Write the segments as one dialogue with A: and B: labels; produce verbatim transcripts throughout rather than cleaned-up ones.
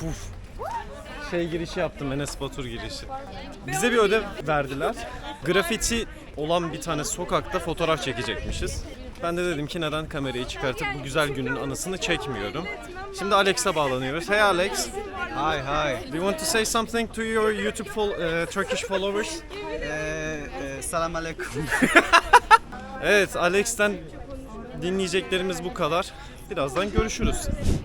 A: puf. Şey girişi yaptım, Enes Batur girişi. Bize bir ödev verdiler. Grafiti olan bir tane sokakta fotoğraf çekecekmişiz. Ben de dedim ki neden kamerayı çıkartıp bu güzel günün anısını çekmiyorum. Şimdi Alex'a bağlanıyoruz. Hey Alex.
B: Hi, hi.
A: Do you want to say something to your YouTube fol- uh, Turkish followers?
B: Ee, e, selam aleyküm.
A: Evet, Alex'ten dinleyeceklerimiz bu kadar. Birazdan görüşürüz.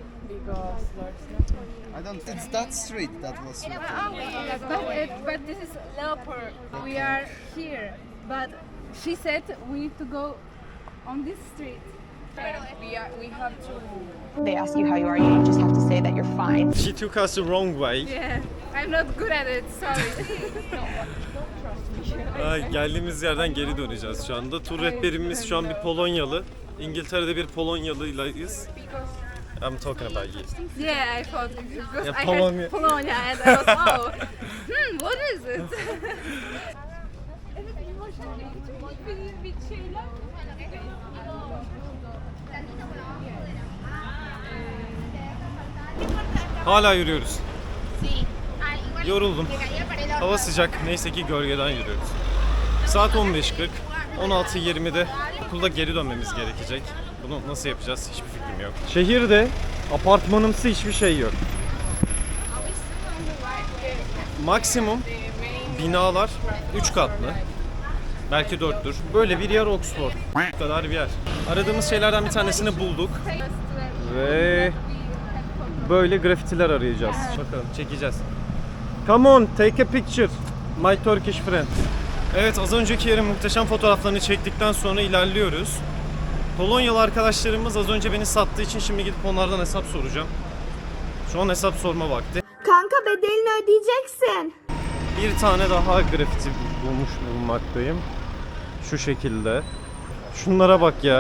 B: I don't. It's that street that was.
C: But, uh, but this is Leopold. We are here, but she said we need to go on this street. We are. We have to.
D: They ask you how you are, you just have to say that you're fine.
A: She took us the wrong way.
C: Yeah, I'm not good at it. Sorry.
A: Ay, geldiğimiz yerden geri döneceğiz şu anda. Tur rehberimiz şu an bir Polonyalı. İngiltere'de bir Polonyalıyız. I'm talking about you.
C: Yeah, I thought because
A: Yeah,
C: I
A: Polonia.
C: heard Polonia and I was oh, hmm, what is it?
A: Hala yürüyoruz. Yoruldum. Hava sıcak. Neyse ki gölgeden yürüyoruz. Saat on beş kırk. on altı yirmide okulda geri dönmemiz gerekecek. Bunu nasıl yapacağız hiçbir fikrim yok. Şehirde apartmanımsı hiçbir şey yok. Maksimum binalar üç katlı. Belki dörttür. Böyle bir yer Oxford. Bu kadar bir yer. Aradığımız şeylerden bir tanesini bulduk. Ve böyle grafitiler arayacağız. Bakalım çekeceğiz. Come on, take a picture. My Turkish friend. Evet, az önceki yerin muhteşem fotoğraflarını çektikten sonra ilerliyoruz. Polonyalı arkadaşlarımız az önce beni sattığı için şimdi gidip onlardan hesap soracağım. Şu an hesap sorma vakti.
E: Kanka bedelini ödeyeceksin.
A: Bir tane daha grafiti bulmuş bulunmaktayım. Şu şekilde. Şunlara bak ya.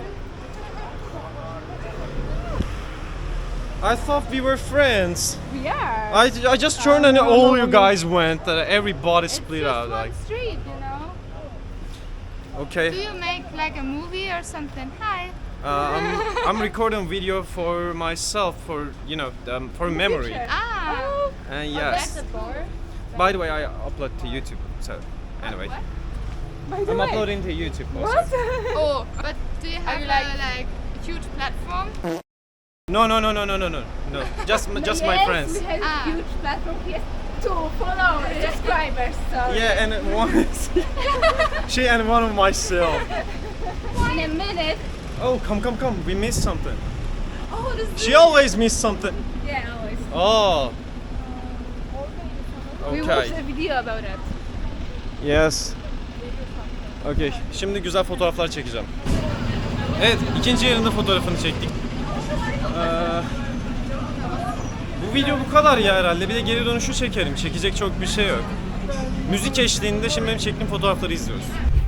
A: I thought we were friends.
C: We are.
A: I, I just turned and all you guys went. Uh, everybody split
C: Just
A: out.
C: one
A: Like,
C: street, you know.
F: Do
A: okay.
F: you make like a movie or something? Hi.
A: Uh, I'm, I'm recording video for myself, for you know, um, for memory.
F: Ah.
C: Oh,
A: And yes. By the way, I upload to YouTube. So anyway,
C: by the
A: I'm
C: way.
A: uploading to YouTube. Also.
C: What?
F: Oh, but do you have
C: you
F: a,
C: like-
F: like huge platform?
A: No, no, no, no, no, no, no, no. Just, m- just my
C: Yes,
A: friends.
C: We have
F: Ah.
C: huge platform. He has two followers, subscribers. So
A: Yeah, and one is she and one of myself.
C: in a minute.
A: Oh, come, come, come. We missed something.
C: Oh, this
A: She always missed something.
C: Yeah, always.
A: Oh.
C: We
A: Okay.
C: watched a video about it.
A: Yes. Okay. Şimdi güzel fotoğraflar çekeceğim. Evet, ikinci yerinde fotoğrafını çektik. Ee, bu video bu kadar ya herhalde. Bir de geri dönüşü çekerim. Çekecek çok bir şey yok. Müzik eşliğinde şimdi benim çektiğim fotoğrafları izliyoruz.